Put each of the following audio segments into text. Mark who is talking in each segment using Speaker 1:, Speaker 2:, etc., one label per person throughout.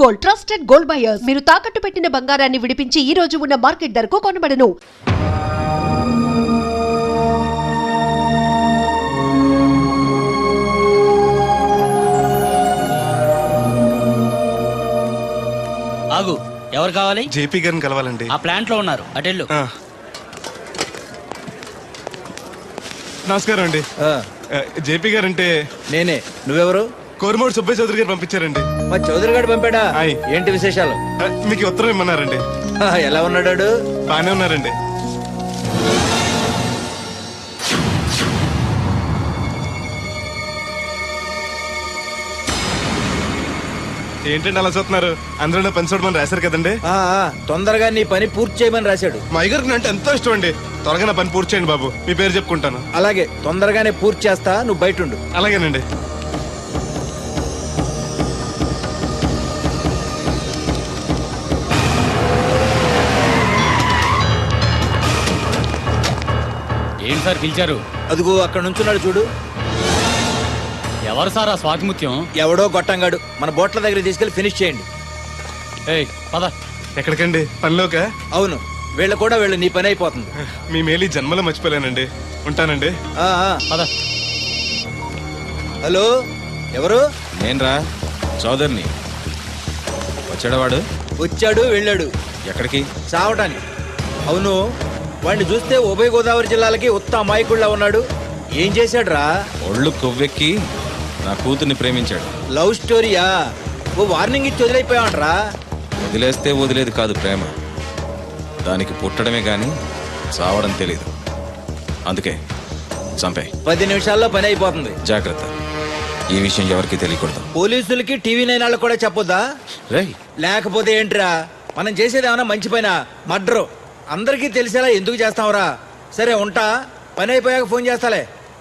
Speaker 1: Gold, trusted gold buyers. మీరు తాకట్టు పెట్టిన బంగారాన్ని విడిపించి ఈ రోజు ఉన్న మార్కెట్ ధరకు కొనబడను.
Speaker 2: ఆగు, ఎవరు కావాలి?
Speaker 3: జేపీ గారిని కలవాలండి.
Speaker 2: ఆ ప్లాంట్ లో ఉన్నారు, అటెళ్ళు.
Speaker 3: నమస్కారం అండి. జేపీ గారు అంటే
Speaker 4: నేనే. నువ్వెవరు?
Speaker 3: కోరమూడు సుబ్బయ్య చౌదరి గారు పంపించారండి.
Speaker 4: మా చౌదరి గారు పంపాడా? ఏంటి విశేషాలు?
Speaker 3: మీకు ఉత్తరం ఇమ్మన్నారండి.
Speaker 4: ఎలా ఉన్నాడు?
Speaker 3: బానే ఉన్నారండి. ఏంటండి అలా చూస్తున్నారు? అందరూ పని చూడమని రాశారు కదండి.
Speaker 4: తొందరగా నీ పని పూర్తి చేయమని రాశాడు.
Speaker 3: మా అయ్యగారికి అంటే ఎంతో ఇష్టం అండి. త్వరగా నా పని పూర్తి చేయండి బాబు. మీ పేరు చెప్పుకుంటాను.
Speaker 4: అలాగే, తొందరగానే పూర్తి చేస్తా, నువ్వు బయట ఉండు.
Speaker 3: అలాగేనండి.
Speaker 2: ఏంటి సార్ పిలిచారు?
Speaker 4: అదిగో అక్కడ నుంచున్నాడు చూడు.
Speaker 2: ఎవరు సార్ ఆ స్వాతిముత్యం?
Speaker 4: ఎవడో గొట్టంగాడు. మన బోట్ల దగ్గర తీసుకెళ్లి ఫినిష్ చేయండి.
Speaker 2: ఏయ్ పద.
Speaker 3: ఎక్కడికండి? పనిలోక?
Speaker 4: అవును, వీళ్ళ కూడా వీళ్ళు, నీ పని అయిపోతుంది.
Speaker 3: మీ మేలు జన్మలో మర్చిపోలేనండి. ఉంటానండి.
Speaker 2: పద.
Speaker 4: హలో, ఎవరు?
Speaker 5: నేనరా, చౌదరిని. వచ్చాడవాడు?
Speaker 4: వచ్చాడు, వెళ్ళాడు.
Speaker 5: ఎక్కడికి?
Speaker 4: చావటానికి. అవును, వాడిని చూస్తే ఉభయ గోదావరి జిల్లాలకి ఉత్త అమాయకుళ్ళ ఉన్నాడు. ఏం చేశాడు రా?
Speaker 5: ఒళ్ళు కొవ్వెక్కి నా కూతుర్ని ప్రేమించాడు.
Speaker 4: లవ్ స్టోరీయా? ఓ వార్నింగ్ ఇచ్చి వదిలేకపోయావంటరా?
Speaker 5: వదిలేస్తే వదిలేదు కాదు ప్రేమ. దానికి పుట్టడమే గాని చావడం తెలీదు. అందుకే చంపే.
Speaker 4: 10 నిమిషాల్లో పని అయిపోతుంది.
Speaker 5: జాగ్రత్త, ఈ విషయం ఎవరికి తెలియకూడదు.
Speaker 4: పోలీసులకి టీవీ 9 వాళ్ళకి కూడా చెప్పొద్దా?
Speaker 5: రేయ్,
Speaker 4: లేకపోతే ఏంట్రా, మనం చేసేది ఏమన్నా మంచి పైన మర్డరు. అందరికీ తెలిసేలా ఎందుకు చేస్తావురా? సరే ఉంటా, పని అయిపోయాక ఫోన్ చేస్తాలే.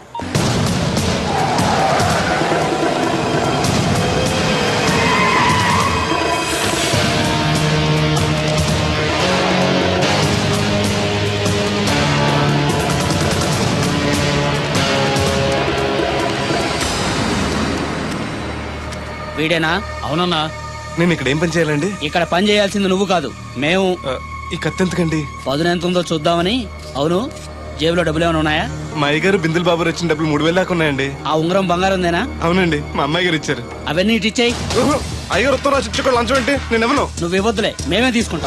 Speaker 2: వీడేనా? అవునన్నా.
Speaker 3: నేను ఇక్కడ ఏం పని చేయాలండి?
Speaker 2: ఇక్కడ పని చేయాల్సింది నువ్వు కాదు, మేము.
Speaker 3: ఈ కత్తి ఎంతకండి?
Speaker 2: పదును ఎంత ఉందో చూద్దామని. అవును, జేబులో డబ్బులు ఏమైనా ఉన్నాయా?
Speaker 3: మా అయ్యగారు బిందులు బాబు వచ్చిన డబ్బులు 3000 దాకా ఉన్నాయండి.
Speaker 2: ఆ ఉంగరం బంగారం ఉందేనా?
Speaker 3: అవునండి, మా అమ్మాయి గారు ఇచ్చారు.
Speaker 2: అవన్నీ ఇటు ఇచ్చేయి.
Speaker 3: అయ్యగారు ఉత్తరం రాసి ఇచ్చుకో, లంచం ఏంటి? నేను ఇవ్వను.
Speaker 2: నువ్వు ఇవ్వద్దులే, మేమే తీసుకుంటాం.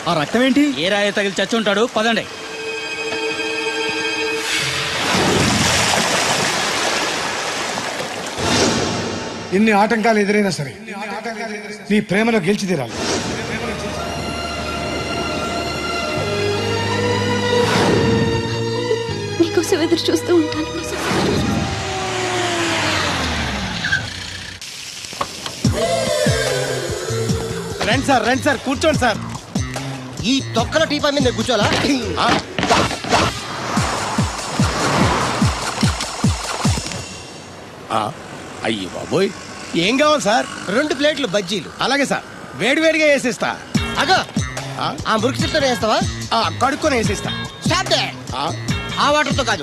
Speaker 6: ఆ రక్తం ఏంటి?
Speaker 2: ఏ రాయ తగిలి చచ్చి ఉంటాడు, పదండి.
Speaker 7: ఎన్ని ఆటంకాలు ఎదురైనా సరే నీ ప్రేమలో గెలిచి తీరాలి.
Speaker 8: నీకోసం ఎదురు చూస్తూ ఉంటాను.
Speaker 6: రండి సార్ కూర్చోండి సార్.
Speaker 9: ఈ తొక్కల టీపా మీద కూర్చోాలా?
Speaker 6: అయ్యి బాబోయ్, ఏం కావాలి సార్?
Speaker 9: 2 ప్లేట్లు బజ్జీలు.
Speaker 6: అలాగే సార్, వేడివేడిగా వేసిస్తా.
Speaker 9: అగో ఆ మురికి చెప్తా వేస్తావా?
Speaker 6: కడుక్కొని వేసిస్తా.
Speaker 9: Stop they. ఆ వాటర్తో కాదు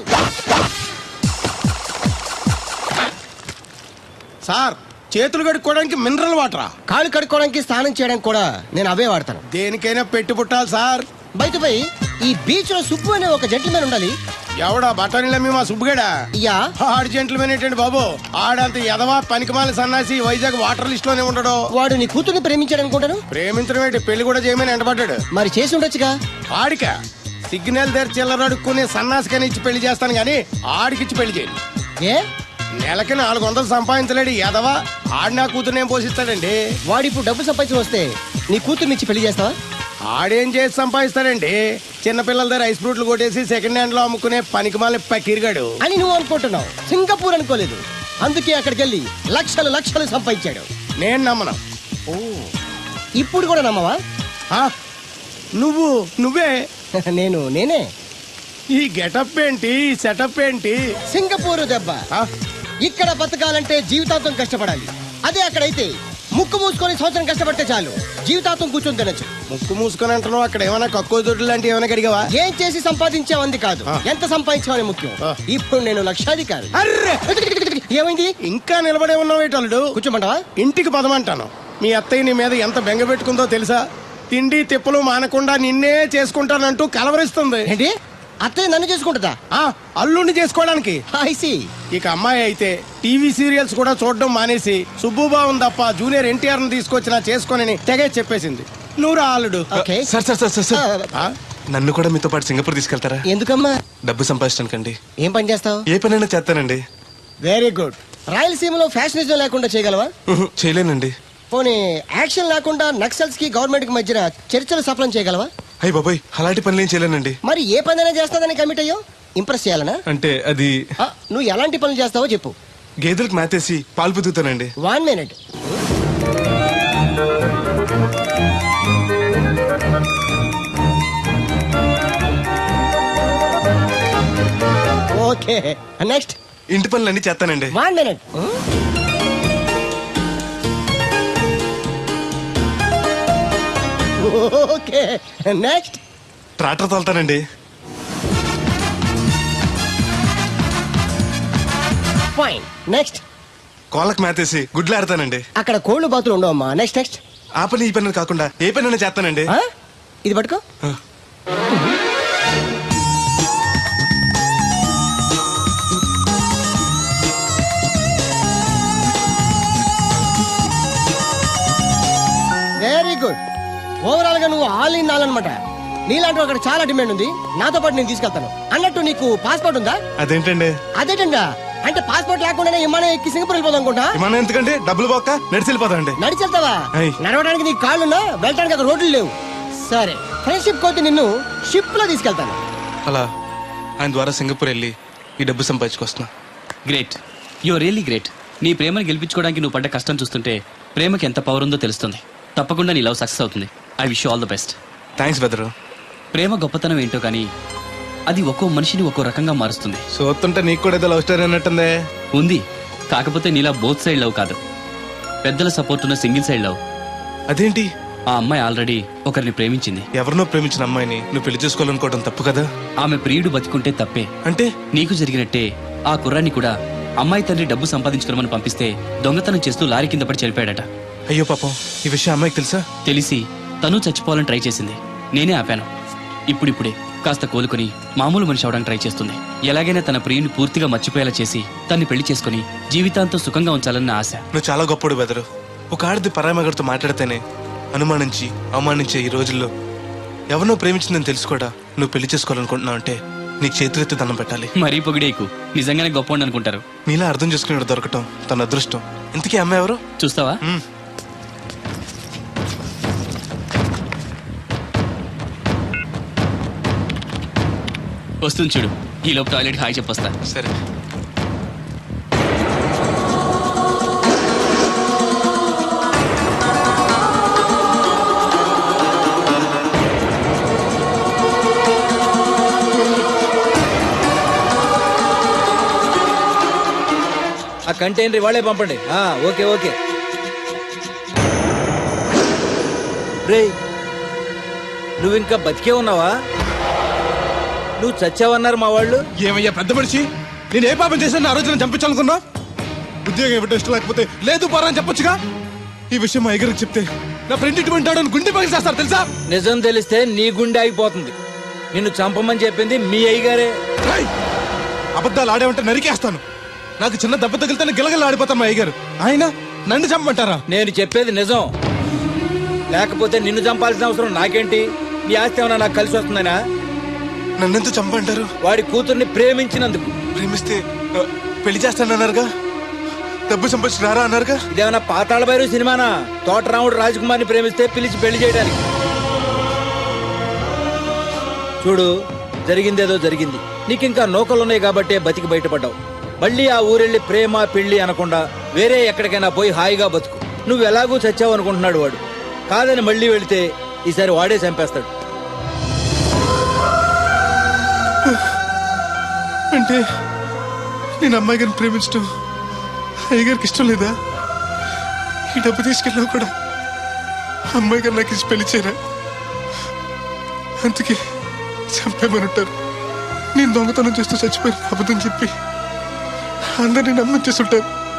Speaker 6: సార్, చేతులు కడుక్కోవడానికి మినరల్ వాటరా?
Speaker 9: కాళ్ళు కడుక్కోవడానికి స్నానం చేయడానికి కూడా నేను అవే వాడతాను.
Speaker 6: దేనికైనా పెట్టి పుట్టాలి సార్.
Speaker 9: బయట పోయి ఈ బీచ్ లో సుబ్బు అనే ఒక జెంటిల్మెన్ ఉండాలి.
Speaker 6: ఎవడా బఠానీలమ్మి మా సుబ్బుగడా?
Speaker 9: యా.
Speaker 6: ఆడు జెంట్లమెన్ ఏంటండి బాబు? ఆడంత ఎదవా పనికిమాల సన్నాసి వైజాగ్ వాటర్ లిస్ట్ లోనే ఉండడు.
Speaker 9: వాడు నీ కూతుర్ని ప్రేమించాడు అనుకుంటాను.
Speaker 6: ప్రేమించడం ఏంటి, పెళ్లి కూడా చేయమని ఎంటబడ్డాడు.
Speaker 9: మరి చేసి ఉండొచ్చుగా.
Speaker 6: ఆడిక సిగ్నల్ దగ్గర చిల్లర అడుక్కునే సన్నాసికని ఇచ్చి పెళ్లి చేస్తాను గానీ ఆడికిచ్చి పెళ్లి చేయను.
Speaker 9: ఏ
Speaker 6: నెలకి 400 సంపాదించలేడు ఎదవా. ఆడి నా కూతురు ఏం పోషిస్తాడండి?
Speaker 9: వాడు ఇప్పుడు డబ్బు సంపాదించి వస్తే నీ కూతుర్ని ఇచ్చి పెళ్లి చేస్తావా?
Speaker 6: ఆడేం చేసి సంపాదిస్తాడండి? చిన్నపిల్లల దగ్గర ఐస్ ఫ్రూట్లు కొట్టేసి సెకండ్ హ్యాండ్ లో అమ్ముకునే పనికిమాల పకీర్గాడు
Speaker 9: అని నువ్వు అనుకుంటున్నావు. సింగపూర్ అనుకోలేదు. అందుకే అక్కడికి వెళ్ళి లక్షలు లక్షలు సంపాదించాడు.
Speaker 6: నేను నమ్మను.
Speaker 9: ఇప్పుడు కూడా నమ్మవా?
Speaker 6: ఆ? నువ్వే
Speaker 9: నేనే.
Speaker 6: ఈ గెటప్ ఏంటి, ఈ సెటప్ ఏంటి?
Speaker 9: సింగపూర్ దెబ్బ.
Speaker 6: ఆ?
Speaker 9: ఇక్కడ బతకాలంటే జీవితాంతం కష్టపడాలి. అదే అక్కడైతే ముక్కు మూసుకొని సంవత్సరం కష్టపడితే చాలు, జీవితాంతం కూర్చొని తినచ్చు.
Speaker 6: ముక్కు మూసుకొని అంటున్నావు, అక్కడ ఏమైనా కక్కువ దొడ్లు లాంటివి ఏమైనా కడిగావా?
Speaker 9: ఏం చేసి సంపాదించావంది కాదు, ఎంత సంపాదించావని ముఖ్యం. ఇప్పుడు నేను లక్షాధికారి.
Speaker 6: అర్రే!
Speaker 9: ఏమైంది?
Speaker 6: ఇంకా నిలబడే ఉన్నావు ఏటల్లుడు?
Speaker 9: కూర్చోమంటావా?
Speaker 6: ఇంటికి పదమంటాను. మీ అత్తయ్య నీ మీద ఎంత బెంగ పెట్టుకుందో తెలుసా? తిండి తిప్పలు మానకుండా నిన్నే చేసుకుంటానంటూ కలవరిస్తుంది.
Speaker 9: ఏంటి? అత్తయ్య నన్ను చేసుకుంటుందా?
Speaker 6: అల్లుడిని చేసుకోవడానికి.
Speaker 9: I see.
Speaker 6: ఇక అమ్మాయి అయితే టీవీ సీరియల్స్ కూడా చూడడం మానేసి సుబ్బుబాబుని తప్ప జూనియర్ ఎన్టీఆర్ ని తీసుకొచ్చిన చేసుకోనని తెగే చెప్పేసింది. నువ్వు రా అల్లుడు.
Speaker 9: Okay.
Speaker 3: సార్
Speaker 6: ఆ?
Speaker 3: నన్ను కూడా మీతో పాటు సింగపూర్ తీసుకెళ్తారా?
Speaker 9: ఎందుకమ్మా?
Speaker 3: డబ్బు సంపాదించడానికండి.
Speaker 9: ఏం పని చేస్తావు?
Speaker 3: ఏ పనైనా చేస్తానండి.
Speaker 9: Very good. రాయలసీమలో ఫ్యాషనిజం లేకుండా చేయగలవా?
Speaker 3: చేయలేనండి.
Speaker 9: పోనీ యాక్షన్ లేకుండా నక్సల్స్ కి గవర్నమెంట్ కి మధ్యన చర్చలు సఫలం చేయగలవా?
Speaker 3: అయ్యి బాబాయ్, అలాంటి పనులు ఏం చేయలేనండి.
Speaker 9: మరి ఏ పనైనా చేస్తాదని కమిట్ అయ్యో? ఇంప్రెస్ చేయాలనా?
Speaker 3: అంటే అది
Speaker 9: నువ్వు ఎలాంటి పనులు చేస్తావో చెప్పు.
Speaker 3: గేదెలకు మేతేసి పాలు పుతుతానండి.
Speaker 9: 1 minute. Okay, next.
Speaker 3: ఇంటి పనులన్నీ చేస్తానండి.
Speaker 9: 1 minute. Okay, next.
Speaker 3: ట్రాక్టర్ తోలుతానండి.
Speaker 9: Fine, next.
Speaker 3: కోళ్ళకు మేతేసి గుడ్లు ఆడతానండి.
Speaker 9: అక్కడ కోళ్ళు బాతులు ఉండవమ్మా. Next next.
Speaker 3: ఆ పని ఈ పని కాకుండా ఏ పనైనా చేస్తానండి.
Speaker 9: ఇది పట్టుకో. Very good. ఓవరాల్ గా నువ్వు ఆల్ ఇన్ ఆల్ అనమాట. నీలాంటి అక్కడ చాలా డిమాండ్ ఉంది. నాతో పాటు నేను తీసుకెళ్తాను. అన్నట్టు నీకు పాస్పోర్ట్ ఉందా?
Speaker 3: అదేంటండి?
Speaker 9: అదేటంగా అంటే పాస్పోర్ట్ లేకుండానే విమానం ఎక్కి సింగపూర్ వెళ్ళిపోదాం అనుకుంటా.
Speaker 3: విమానం ఎందుకంటే డబ్బులు పోక నడిచి వెళ్ళిపోతాండి.
Speaker 9: నడిచి వెళ్తావా? నడవడానికి నీకు కాళ్ళున్నా, వెళ్ళడానికి అక్కడ రోడ్లు లేవు. సరే, ఫ్రెండ్షిప్ కోతి నిన్ను షిప్ లో తీసుకెళ్తాను.
Speaker 3: అలా ఆయన ద్వారా సింగపూర్ వెళ్ళి ఈ డబ్బు సంపాదించుకొస్తున్నా.
Speaker 2: Great, you really great. నీ ప్రేమను గెలిపించుకోవడానికి నువ్వు పడ్డ కష్టం చూస్తుంటే ప్రేమకి ఎంత పవర్ ఉందో తెలుస్తుంది. తప్పకుండా నీ లవ్ సక్సెస్ అవుతుంది. I wish you all the best.
Speaker 3: Thanks బెదరు.
Speaker 2: ప్రేమ గొప్పతనం ఏంటో కానీ అది ఒక్కో మనిషిని ఒక్కో రకంగా మారుస్తుంది.
Speaker 3: చూస్తుంటే నీకు కూడా ఏదో లవ్ స్టోరీ అన్నట్టుందే.
Speaker 2: ఉంది, కాకపోతే నీలా బోత్ సైడ్ లవ్ కాదు, పెద్దల సపోర్ట్ ఉన్న సింగిల్ సైడ్ లవ్.
Speaker 3: అదేంటి?
Speaker 2: ఆ అమ్మాయి ఆల్రెడీ ఒకరిని ప్రేమించింది.
Speaker 3: ఎవరినో ప్రేమించిన అమ్మాయిని నువ్వు పెళ్లి చేసుకోవాలనుకోవడం తప్పు కదా?
Speaker 2: ఆమె ప్రియుడు బతికుంటే తప్పే.
Speaker 3: అంటే
Speaker 2: నీకు జరిగినట్టే ఆ కుర్రాన్ని కూడా అమ్మాయి తండ్రి డబ్బు సంపాదించుకోమని పంపిస్తే దొంగతనం చేస్తూ లారీ కింద పడి చనిపోయాడట.
Speaker 3: అయ్యో పాపం, ఈ విషయం అమ్మాయికి తెలుసా?
Speaker 2: తెలిసి తను చచ్చిపోవాలని ట్రై చేసింది. నేనే ఆపాను. ఇప్పుడిప్పుడే కాస్త కోలుకుని మామూలు మనిషి అవడానికి ట్రై చేస్తుంది. ఎలాగైనా తన ప్రియుని పూర్తిగా మర్చిపోయేలా చేసి తన్ని పెళ్లి చేసుకుని జీవితాంతం సుఖంగా ఉంచాలన్న ఆశ.
Speaker 3: నువ్వు చాలా గొప్పడు బెదరు. ఒక ఆడది పరాయి మగడితో మాట్లాడితేనే అనుమానించి అవమానించే ఈ రోజుల్లో ఎవరినో ప్రేమించిందని తెలుసు కూడా నువ్వు పెళ్లి చేసుకోవాలనుకుంటున్నావు అంటే నీకు చేతులెత్తి దండం పెట్టాలి.
Speaker 2: మరీ పొగిడేకు, నిజంగానే గొప్ప అనుకుంటారు.
Speaker 3: నీలా అర్థం చేసుకునేవాడు దొరకటం తన అదృష్టం. ఇంతకీ అమ్మాయి ఎవరు?
Speaker 2: చూస్తావా? వస్తుంది చూడు. ఈ లోపు టాయిలెట్ హాయ్ చెప్పొస్తా.
Speaker 3: సరే.
Speaker 4: ఆ కంటైనర్ వాళ్ళే పంపండి. Okay okay. రేయ్, నువ్వు ఇంకా బతికే ఉన్నావా? నువ్వు చచ్చావన్నారు మా వాళ్ళు.
Speaker 3: ఏమయ్యా పెద్ద మనిషి, నేను ఏ పాపం చేశాను? ఆ రోజు నేను చంపించాలనుకున్నా. ఉద్యోగం ఇవ్వటం ఇష్టం లేకపోతే లేదు పోరా అని చెప్పొచ్చుగా. ఈ విషయం మా అయ్యగారికి చెప్తే నా ఫ్రెండ్ ఇటువంటి వాడు అని గుండె పగిలి చేస్తారు తెలుసా?
Speaker 4: నిజం తెలిస్తే నీ గుండె ఆగిపోతుంది. నిన్ను చంపమని చెప్పింది మీ అయ్యగారే.
Speaker 3: రేయ్, అబద్ధాలు ఆడేమంటే నరికేస్తాను. నాకు చిన్న దెబ్బ తగిలితే గిలగలు ఆడిపోతాను మా అయ్యగారు. ఆయన నన్ను చంపమంటారా?
Speaker 4: నేను చెప్పేది నిజం. లేకపోతే నిన్ను చంపాల్సిన అవసరం నాకేంటి? నీ ఆస్తి ఏమన్నా నాకు కలిసి వస్తుందనా?
Speaker 3: నన్నెంత చంపంటారు?
Speaker 4: వాడి కూతుర్ని ప్రేమించినందుకు.
Speaker 3: ప్రేమిస్తే పెళ్లి చేస్తానన్నారుగా, డబ్బు సంపాదించి రారా అన్నారుగా.
Speaker 4: ఇదేమన్నా పాతాళ భైరవ సినిమానా? తోటరాముడు రాజకుమార్ని ప్రేమిస్తే పిలిచి పెళ్లి చేయడానికి. చూడు, జరిగిందేదో జరిగింది. నీకింకా నౌకలున్నాయి కాబట్టే బతికి బయటపడ్డావు. మళ్ళీ ఆ ఊరెళ్ళి ప్రేమ పెళ్లి అనకుండా వేరే ఎక్కడికైనా పోయి హాయిగా బతుకు. నువ్వు ఎలాగూ చచ్చావు అనుకుంటున్నాడు వాడు. కాదని మళ్ళీ వెళితే ఈసారి వాడే చంపేస్తాడు.
Speaker 3: అంటే నేను అమ్మాయి గారిని ప్రేమించడం అయ్యగారికి ఇష్టం లేదా? ఈ డబ్బు తీసుకెళ్ళినా కూడా అమ్మాయి గారు నాకు ఇచ్చి పెళ్లి చేయరా? అందుకే చంపేమనుంటారు. నేను దొంగతనం చేస్తూ చచ్చిపోయిన అబద్ధం చెప్పి అందరినీ నమ్మించేస్తుంటారు.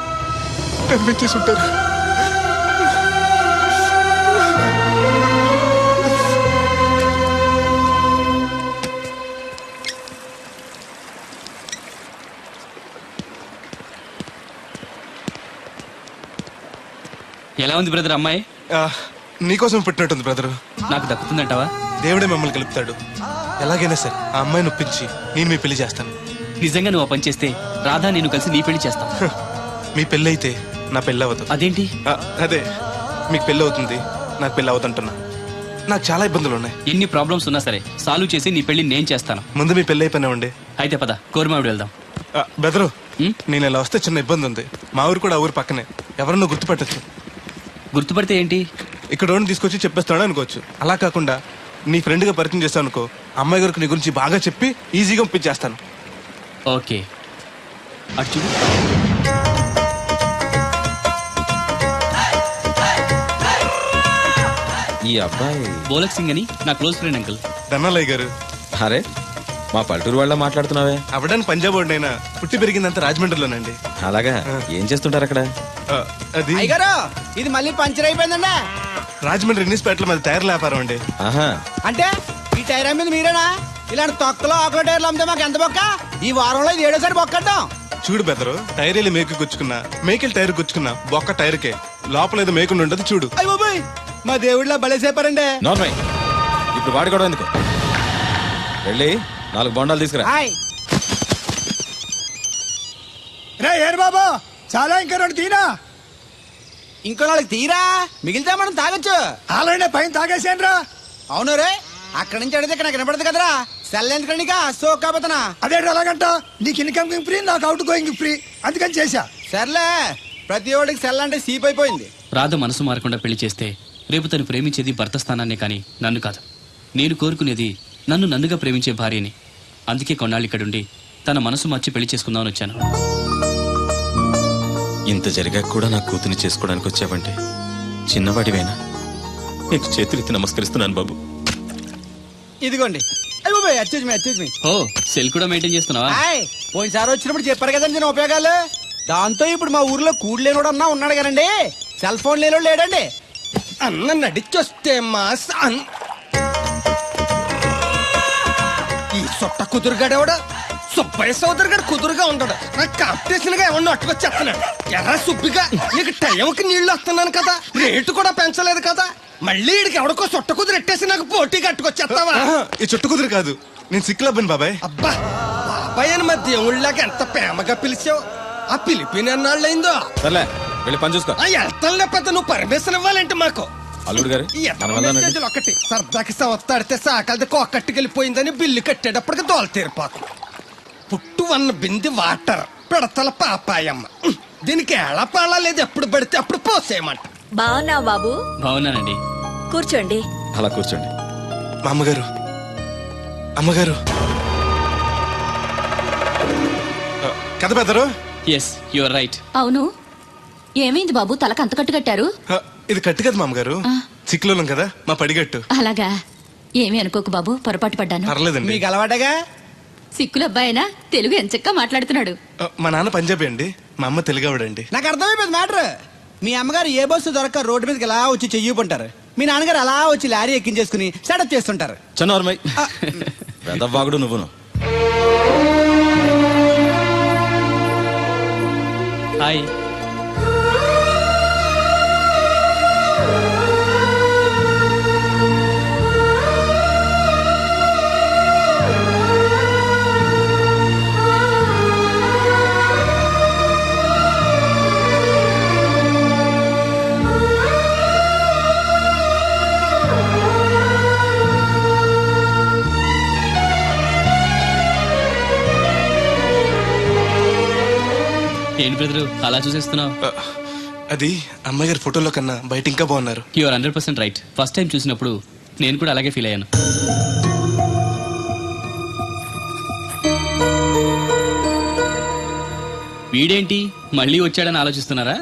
Speaker 2: ఎలా ఉంది బ్రదర్ అమ్మాయి?
Speaker 3: నీకోసం పెట్టినట్టుంది బ్రదరు.
Speaker 2: నాకు దక్కుతుందంటావా?
Speaker 3: దేవుడే మమ్మల్ని కలుపుతాడు. ఎలాగైనా సరే ఆ అమ్మాయిని ఒప్పించి నేను మీ పెళ్లి చేస్తాను.
Speaker 2: నిజంగా నువ్వు ఆ పని చేస్తే రాధా నేను కలిసి నీ పెళ్లి చేస్తాం.
Speaker 3: మీ పెళ్ళి అయితే నా పెళ్ళి అవ్వదు.
Speaker 2: అదేంటి?
Speaker 3: అదే, మీకు పెళ్ళి అవుతుంది, నాకు పెళ్ళి అవుతుంటున్నా. నాకు చాలా ఇబ్బందులు ఉన్నాయి.
Speaker 2: ఎన్ని ప్రాబ్లమ్స్ ఉన్నా సరే సాల్వ్ చేసి నీ పెళ్లి నేను చేస్తాను.
Speaker 3: ముందు మీ పెళ్ళి అయిపోయినా ఉండే.
Speaker 2: అయితే పద, కోరమావిడి వెళ్దాం.
Speaker 3: బెదరు, నేను ఇలా వస్తే చిన్న ఇబ్బంది ఉంది. మా ఊరు కూడా ఆ ఊరు పక్కనే. ఎవరన్నా గుర్తుపట్టచ్చు.
Speaker 2: గుర్తుపడితే ఏంటి?
Speaker 3: ఇక్కడ ఓన్ తీసుకొచ్చి చెప్పేస్తాడు అనుకోవచ్చు. అలా కాకుండా నీ ఫ్రెండ్గా పరిచయం చేస్తాను అనుకో, అమ్మాయి గారికి నీ గురించి బాగా చెప్పి ఈజీగా పంపించేస్తాను.
Speaker 2: ఓకే, అటు చూడు.
Speaker 5: ఈ అబ్బాయి
Speaker 2: బోలక్ సింగ్ అని నా క్లోజ్ ఫ్రెండ్ అంకుల్.
Speaker 3: ధనాలయ్య గారు.
Speaker 5: అరే, మా పల్లెటూరు వాళ్ళ మాట్లాడుతున్నావే.
Speaker 3: అవడానికి పంజాబ్ వాడినైనా పుట్టి పెరిగిందంతా రాజమండ్రిలోనండి.
Speaker 5: అలాగా? ఏం చేస్తుంటారు అక్కడ?
Speaker 3: అది
Speaker 9: అయ్యగారు, ఇది మళ్ళీ పంచర్ అయిపోయిందండి.
Speaker 3: రాజమండ్రి ఇన్నిస్పేటలో మాది టైర్ల వ్యాపారం అండి.
Speaker 5: ఆహా,
Speaker 9: అంటే ఈ టైర్ అమ్మేది మీరేనా? ఇలాంటి తొక్కలో ఆకుల టైర్లు అమ్మితే మాకు ఎంత బొక్క? ఈ వారంలో ఇది 7వ సారి బొక్కడ్డాం.
Speaker 3: చూడు బెదరు, టైర్ వెళ్ళి మేకు గుచ్చుకున్నా, మేకెళ్ళి టైర్ గుచ్చుకున్నా, బొక్క టైర్కే. లోపల ఏదో మేకుండా ఉండదు చూడు.
Speaker 9: అయ్య బాబోయ్, మా దేవుళ్ళ బలేసేపారండి.
Speaker 5: నార్మల్. ఇప్పుడు వాడుకోవడం ఎందుకు? వెళ్ళి 4 బొండాలు తీసుకురా.
Speaker 9: హాయ్
Speaker 7: రే ఏరు బాబా, చాలా ఇంకా 2 తీనా.
Speaker 9: ఇంకో 4 తీరా, మిగిలితే మనం తాగొచ్చు.
Speaker 7: ఆల్రెడీ పైన తాగేసాను రా.
Speaker 9: అవును రే, అక్కడి నుంచి అడిగితే ఇక్కడ నాకు వినపడదు కదరా. సెల్ ఎందుకండి సో కాబోతున్నా.
Speaker 7: అదే అలాగంట, నీకు ఇన్కమ్ ఫ్రీ, నాకు అవుట్ గోయింగ్ ఫ్రీ, అందుకని చేశా.
Speaker 9: సర్లే, ప్రతి ఒడికి సెల్ అంటే సీప్ అయిపోయింది.
Speaker 2: రాధ మనసు మారకుండా పెళ్లి చేస్తే రేపు తను ప్రేమించేది భర్త స్థానాన్నే కానీ నన్ను కాదు. నేను కోరుకునేది నన్ను నన్నుగా ప్రేమించే భార్యని. అందుకే కొన్నాళ్ళు ఇక్కడుండి తన మనసు మార్చి పెళ్లి చేసుకుందామని వచ్చాను.
Speaker 5: ఇంత జరిగాక కూడా నా కూతుని చేసుకోవడానికి వచ్చావంటే చిన్నవాడివేనా? నీకు చేతులెత్తి నమస్కరిస్తున్నాను బాబు.
Speaker 9: ఇదిగోండి. అయ్య బాబోయ్, అచ్చేజ్ మీ.
Speaker 2: ఓ, సెల్ కూడా మెయింటైన్ చేస్తున్నావా?
Speaker 9: పోయినసారి వచ్చినప్పుడు చెప్పారు కదండి నేను ఉపయోగాలు. దాంతో ఇప్పుడు మా ఊర్లో కూడు లేనోడు అన్నా ఉన్నాడు కదండి, సెల్ ఫోన్ లేనోడు లేడండి.
Speaker 6: అన్న నడిచొస్తే మాస్
Speaker 9: ఈ సొట్ట కుదురుగాడేవాడు
Speaker 6: సుబ్బయ్య సోదరు గారు కుదురుగా ఉంటాడు నాకు కాంపిటీషన్ గా ఏమన్నా అట్టుకొచ్చేస్తున్నాడు ఎర్ర సుబ్బిగా నీకు టైంకి నీళ్లు వస్తున్నాను కదా రేటు కూడా పెంచలేదు కదా మళ్ళీ వీడికి ఎవడికో చుట్ట కుదురు ఎట్టేసి నాకు పోటీ కట్టుకొచ్చేస్తావా
Speaker 3: ఆహా, ఈ చుట్టు కుదురు కాదు, నేను సిక్కులబ్బాను బాబాయ్.
Speaker 6: అబ్బా బాబాయ్ అని మా దేవుళ్ళకి ఎంత ప్రేమగా పిలిచావు ఆ పిలిపిన ఎన్నాళ్ళైందో
Speaker 5: సర్లే వెళ్ళి పని చూసుకో.
Speaker 6: ఆ వెళ్తాను లేకపోతే నువ్వు పర్మిషన్ ఇవ్వాలంటే మాకు
Speaker 5: అల్లుడు గారు
Speaker 6: ఈ
Speaker 5: మనం వెళ్దాం రండి.
Speaker 6: మెసేజ్లు ఒకటి సరదాకి సంవత్సరాడితే సాకలది కొక్కట్టుకెళ్ళిపోయిందని బిల్లు కట్టేటప్పటికి దోల తీరిపోతుంది పుట్టు వన్న బింది వాటర్ పిడతల పాపాయమ్మ దీనికి ఎలా పాలా లేదు ఎప్పుడు పడితే అప్పుడు పోసేయమంట
Speaker 8: బాగున్నావు బాబు
Speaker 2: బాగున్నానండి.
Speaker 8: కూర్చోండి.
Speaker 5: అలా కూర్చోండి.
Speaker 3: మా అమ్మగారు, అమ్మగారు కథ పెద్దరు.
Speaker 2: Yes you are right.
Speaker 8: అవును, ఏమైంది బాబు తలకు అంత కట్టు కట్టారు?
Speaker 3: ఇది కట్టు కదా మా అమ్మగారు, చిక్కులోలం కదా మా పడిగట్టు.
Speaker 8: అలాగా, ఏమీ అనుకోకు బాబు, పొరపాటు పడ్డాను.
Speaker 3: పర్లేదండి.
Speaker 6: మీకు అలవాటగా
Speaker 8: సిక్కుల అబ్బాయినా తెలుగు ఎంచక్కా మాట్లాడుతున్నాడు.
Speaker 3: మా నాన్న పంజాబీ అండి, మా అమ్మ తెలుగావిడండి.
Speaker 9: నాకు అర్థమైపోయింది మ్యాటర్. మీ అమ్మగారు ఏ బస్సు దొరక్క రోడ్డు మీదకి ఎలా వచ్చి చెయ్యిపుంటారు, మీ నాన్నగారు అలా వచ్చి లారీ ఎక్కించేసుకుని సెటప్ చేస్తుంటారు.
Speaker 5: చన్నోర్మై వెదవ్వాగుడు నువ్వును.
Speaker 2: హాయ్. ఏంటి బ్రదరు అలా చూసేస్తున్నావు?
Speaker 3: అది అమ్మగారి ఫోటోలో కన్నా బయట ఇంకా బాగున్నారు.
Speaker 2: You are 100% right. First time చూసినప్పుడు నేను కూడా అలాగే ఫీల్ అయ్యాను. వీడేంటి మళ్ళీ వచ్చాడని ఆలోచిస్తున్నారా?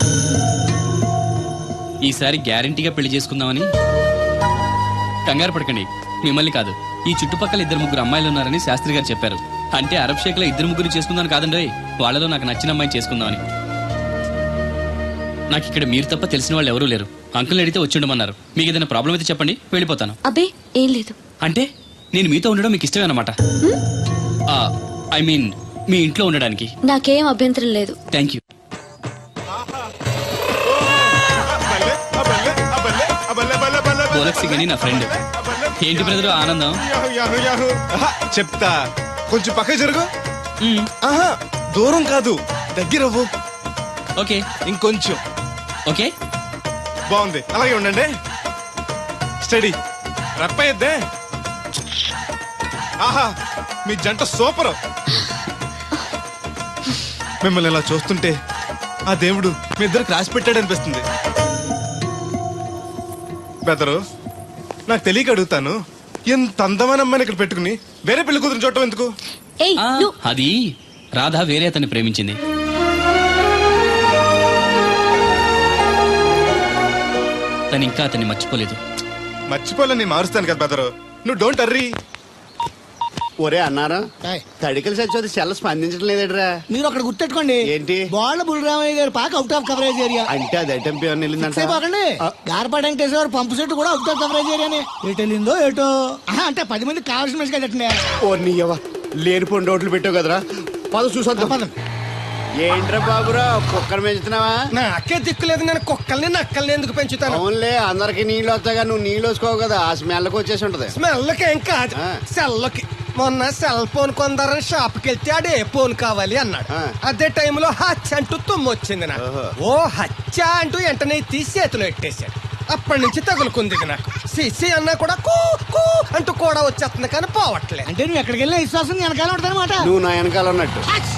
Speaker 2: ఈసారి గ్యారంటీగా పెళ్లి చేసుకుందామని. కంగారు పడకండి, మిమ్మల్ని కాదు, ఈ చుట్టుపక్కల 2-3 అమ్మాయిలు ఉన్నారని శాస్త్రి గారు చెప్పారు. అంటే అరబ్ షేక్ లో 2-3 చేసుకుందాం కాదండి, వాళ్ళలో నాకు నచ్చిన అమ్మాయిని చేసుకుందామని. నాకు ఇక్కడ మీరు తప్ప తెలిసిన వాళ్ళు ఎవరూ లేరు. అంకుల్ని అడిగితే వచ్చి ఉండమన్నారు. మీకు ఏదైనా ప్రాబ్లం అయితే చెప్పండి, వెళ్ళిపోతాను.
Speaker 8: అబ్బే ఏం లేదు.
Speaker 2: అంటే నేను మీతో ఉండడం మీకు ఇష్టమే అన్నమాట. ఐ మీన్ మీ ఇంట్లో ఉండడానికి.
Speaker 8: నాకేం అభ్యంతరం లేదు.
Speaker 2: Thank you. గోలక్సి గని నా ఫ్రెండ్. ఏంటి బ్రదర్ ఆనందం?
Speaker 3: చెప్తా, కొంచెం పక్క జరుగు.
Speaker 2: మ్మ్.
Speaker 3: ఆహా, దూరం కాదు, దగ్గరవ్వు.
Speaker 2: ఓకే
Speaker 3: ఇంకొంచెం.
Speaker 2: ఓకే
Speaker 3: బాగుంది, అలాగే ఉండండి. స్టడీ రప్పయ్యద్దే. ఆహా, మీ జంట సూపర్. మిమ్మల్ని ఇలా చూస్తుంటే ఆ దేవుడు మీ ఇద్దరికి రాసి పెట్టాడు అనిపిస్తుంది. బెదరు, నాకు తెలియక అడుగుతాను, ఎంత అందమైన అమ్మాయిని ఇక్కడ పెట్టుకుని వేరే పెళ్లి కూతురు చూడటం ఎందుకు?
Speaker 8: ఏయ్ నువ్వు
Speaker 2: అది రాధ వేరే అతన్ని ప్రేమించింది. తను ఇంకా అతన్ని మర్చిపోలేదు.
Speaker 3: మర్చిపోలే, నేను మారుస్తాను కదా బెదరు, నువ్వు డోంట్ అర్రీ.
Speaker 10: ఒరే అన్నారా, తడికలు సచ్చి సెల్ల స్పందించడం లేదట్రా.
Speaker 9: మీరు అక్కడ గుర్తెట్టుకోండి,
Speaker 10: ఏంటి
Speaker 9: బాల బుల్రామయ్య గారి పాక అవుట్ ఆఫ్ కవరేజ్ ఏరియా.
Speaker 10: అంటే అది ఐటమ్ పేరు వెళ్ళిందంట.
Speaker 9: పోకండి, గార్పాటి వెంకటేశ్వర పంపు సెట్ కూడా అవుట్ ఆఫ్ కవరేజ్ ఏరియానే. ఎటు వెళ్ళిందో ఏటో. అంటే 10 మంది కావాల్సిన మనిషి కదండి.
Speaker 10: ఓ నీయవ్వ, లేనిపోయిన రోడ్లు పెట్టావు కదరా. పద చూసొద్దాం. ఏంట్రా బాబురా, కుక్కర్ పెంచుతున్నావా?
Speaker 6: నాకే దిక్కులేదు, నేను కుక్కల్ని నక్కల్ని ఎందుకు పెంచుతాను?
Speaker 10: అవునులే, అందరికి నీళ్ళు వస్తాగా, నువ్వు నీళ్ళు వేసుకోవు కదా, ఆ స్మెల్కి వచ్చేసి ఉంటది.
Speaker 6: స్మెల్కి ఏం కాదు, సెల్కి. మొన్న సెల్ ఫోన్ కొందరని షాప్కి వెళ్తే ఆడు ఏ ఫోన్ కావాలి అన్నాడు. అదే టైంలో హచ్చ అంటూ తుమ్మొచ్చింది నాకు. ఓ హచ్చ అంటూ వెంటనే తీసి చేతిలో పెట్టేశాడు. అప్పటి నుంచి తగులుకుంది ఇది నాకు. సిసి అన్నా కూడా కూ కూ అంటూ కూడా వచ్చేస్తుంది కానీ పోవట్లేదు.
Speaker 9: అంటే నువ్వు ఎక్కడికి వెళ్ళిన విశ్వాసం వెనకాల ఉంటదన్నమాట.
Speaker 10: నువ్వు నా వెనకాల ఉన్నట్టు.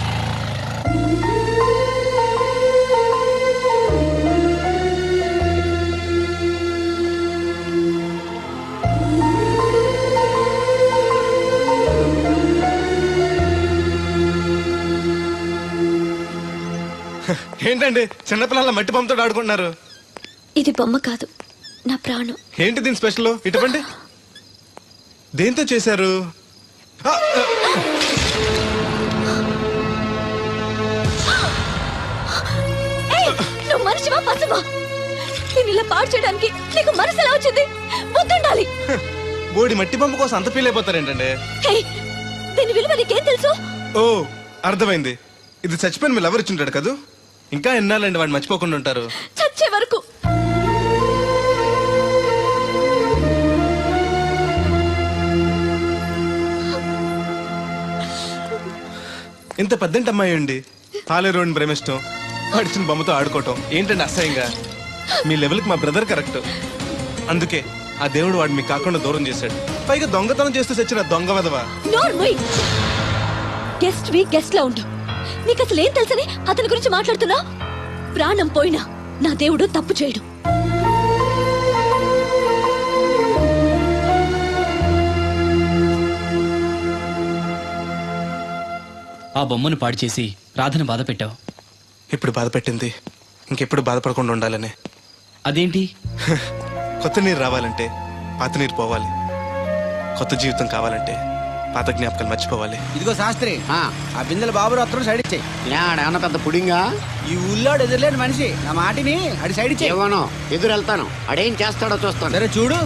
Speaker 3: ఏంటండి చిన్నపిల్లల మట్టి బొమ్మతో ఆడుకుంటున్నారు?
Speaker 8: ఇది బొమ్మ కాదు, నా ప్రాణం.
Speaker 3: ఏంటి దీని స్పెషల్? ఇటువంటి దేంతో చేశారు?
Speaker 8: నువ్వు మనిషివా పశువా? నేను ఇలా పాడు చేయడానికి నీకు మనసు ఎలా వచ్చింది? బుద్ధుండాలి.
Speaker 3: బోడి మట్టి బొమ్మ కోసం అంత ఫీల్ అయిపోతారేంటండి?
Speaker 8: దీని విలువ నీకేం తెలుసు?
Speaker 3: ఓ అర్థమైంది. ఇది చచ్చిపోయిన మీ లవర్ ఇచ్చుంటాడు కదూ. ఇంకా ఎన్నాలండి వాడు మర్చిపోకుండా ఉంటారు.
Speaker 8: చచ్చే వరకు.
Speaker 3: ఇంత పెద్దంటి అమ్మాయి అండి పాలేరోని ప్రేమిష్టం, పడిచిన బొమ్మతో ఆడుకోవటం ఏంటండి అసహ్యంగా. మీ లెవెల్కి మా బ్రదర్ కరెక్ట్. అందుకే ఆ దేవుడు వాడు మీకు కాకుండా దూరం చేశాడు. పైగా దొంగతనం చేస్తూ చచ్చిన దొంగ వదవా.
Speaker 8: గెస్ట్ వి గెస్ట్ లా ఉండు. నీకు అసలు ఏం తెలుసని అతని గురించి మాట్లాడుతున్నా? ప్రాణం పోయినా నా దేవుడు తప్పు చేయడు.
Speaker 2: ఆ బొమ్మను పాడు చేసి రాధను బాధ పెట్టావు.
Speaker 3: ఇప్పుడు బాధ పెట్టింది ఇంకెప్పుడు బాధపడకుండా ఉండాలని.
Speaker 2: అదేంటి?
Speaker 3: కొత్త నీరు రావాలంటే పాత నీరు పోవాలి. కొత్త జీవితం కావాలంటే పాత జ్ఞాపకాలు మర్చిపోవాలి.
Speaker 4: ఇదిగో శాస్త్రి, ఆ బిందెల బాబు అత్తరు సైడ్ ఇచ్చాయి.
Speaker 10: ఏమన్నా పెద్ద పుడింగా?
Speaker 4: ఈ ఊళ్ళో ఎదురులేని మనిషి నా మాటిని అడి సైడ్ ఇచ్చాయి.
Speaker 10: ఏమనో ఎదురు వెళ్తాను, అడేం చేస్తాడో చూస్తాను.
Speaker 4: సరే చూడు.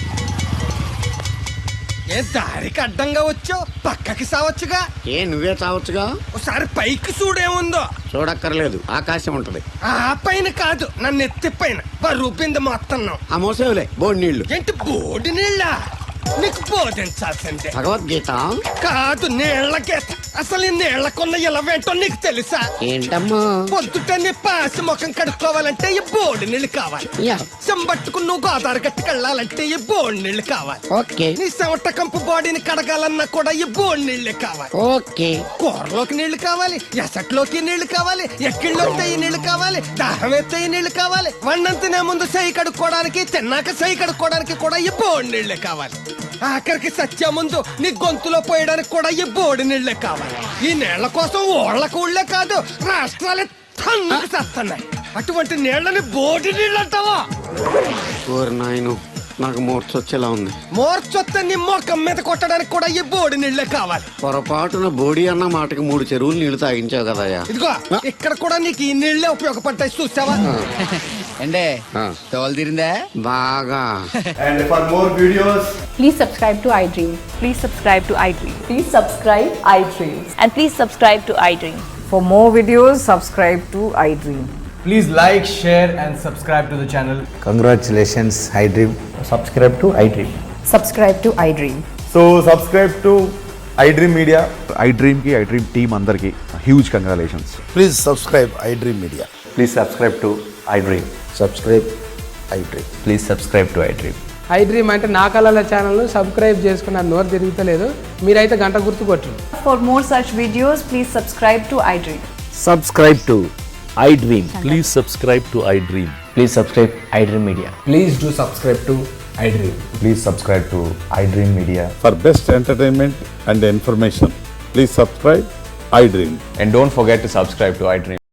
Speaker 6: ఏ దారికి అడ్డంగా వచ్చావు, పక్కకి సావచ్చుగా.
Speaker 10: ఏ నువ్వే చావచ్చుగా.
Speaker 6: ఒకసారి పైకి చూడేముందో.
Speaker 10: చూడక్కర్లేదు, ఆకాశం ఉంటది.
Speaker 6: ఆ పైన కాదు, నన్ను ఎత్తి పైన రూపింది మొత్తం.
Speaker 10: ఆ మోసేవులే బోడి నీళ్లు.
Speaker 6: ఏంటి బోడి నీళ్ళ? నీకు బోధించాల్సిందే.
Speaker 10: భగవద్గీత
Speaker 6: కాదు, నీళ్ల గీత. అసలు ఈ నీళ్లకున్న ఇలవేంటో నీకు తెలుసా?
Speaker 10: ఏంటమ్మా?
Speaker 6: పొద్దుట నీ పాసి ముఖం కడుక్కోవాలంటే ఈ బోడి నీళ్ళు కావాలి.
Speaker 10: యా.
Speaker 6: చెంబట్టుకుని నువ్వు గోదావరి గట్టుకెళ్ళాలంటే ఈ బోడి నీళ్ళు కావాలి.
Speaker 10: ఓకే
Speaker 6: నీ చెమట కంపు బాడీని కడగాలన్నా కూడా ఈ బోడి నీళ్ళే కావాలి.
Speaker 10: ఓకే.
Speaker 6: కూరలోకి నీళ్లు కావాలి, ఎసట్లోకి నీళ్లు కావాలి, ఎక్కిళ్ళొస్తే ఈ నీళ్లు కావాలి, దాహం ఎత్తే ఈ నీళ్లు కావాలి. వండం తినే ముందు సై కడుక్కోవడానికి, తిన్నాక సై కడుక్కోవడానికి కూడా ఈ బోడి నీళ్లే కావాలి. ఆఖరికి సత్య ముందు నీ గొంతులో పోయడానికి కూడా ఈ బోడి నీళ్లే కావాలి. ఈ నీళ్ల కోసం ఓళ్లకు ఊళ్ళే కాదు, రాష్ట్రాలే తన్నుకు చేస్తున్నాయి. అటువంటి నీళ్లని బోడి నీళ్ళు అంటావా?
Speaker 10: ఓరి నాయను, నాకు మూర్చొచ్చేలా ఉంది.
Speaker 6: మోర్చొత్తే నీ మొఖం మీద కొట్టడానికి కూడా ఈ బోడి నీళ్లే కావాలి.
Speaker 10: పొరపాటున బోడి అన్న మాటకి 3 చెరువులు నీళ్లు తాగించావు కదయ్యా.
Speaker 6: ఇదిగో ఇక్కడ కూడా నీకు ఈ నీళ్లే ఉపయోగపడతాయి, చూసావా?
Speaker 4: అంటే తోలు తీరిందా
Speaker 10: బాగా.
Speaker 11: And for more videos,
Speaker 8: Please subscribe to iDream. Please subscribe to iDream. Please subscribe iDream. And please subscribe to iDream.
Speaker 9: For more videos, subscribe to iDream.
Speaker 11: please like, share and subscribe to the channel.
Speaker 7: Congratulations iDream.
Speaker 11: Subscribe to iDream.
Speaker 8: Subscribe to iDream.
Speaker 11: So subscribe to iDream Media.
Speaker 7: iDream కి iDream team అందరికి huge congratulations. Please subscribe iDream media.
Speaker 11: Please subscribe to iDream.
Speaker 7: Subscribe iDream.
Speaker 11: Please subscribe to iDream.
Speaker 9: iDream అంటే నా కళల channel subscribe చేసుకున్న నోరు తిరుగుతలేదు. మీరైతే గంట గుర్తు కొట్టండి.
Speaker 8: For more such videos, please subscribe to iDream.
Speaker 11: Subscribe to iDream. Please subscribe to iDream. Please subscribe iDream Media.
Speaker 7: Please do subscribe to iDream.
Speaker 11: Please subscribe to iDream Media.
Speaker 12: For best entertainment and information, please subscribe iDream.
Speaker 11: And don't forget to subscribe to iDream.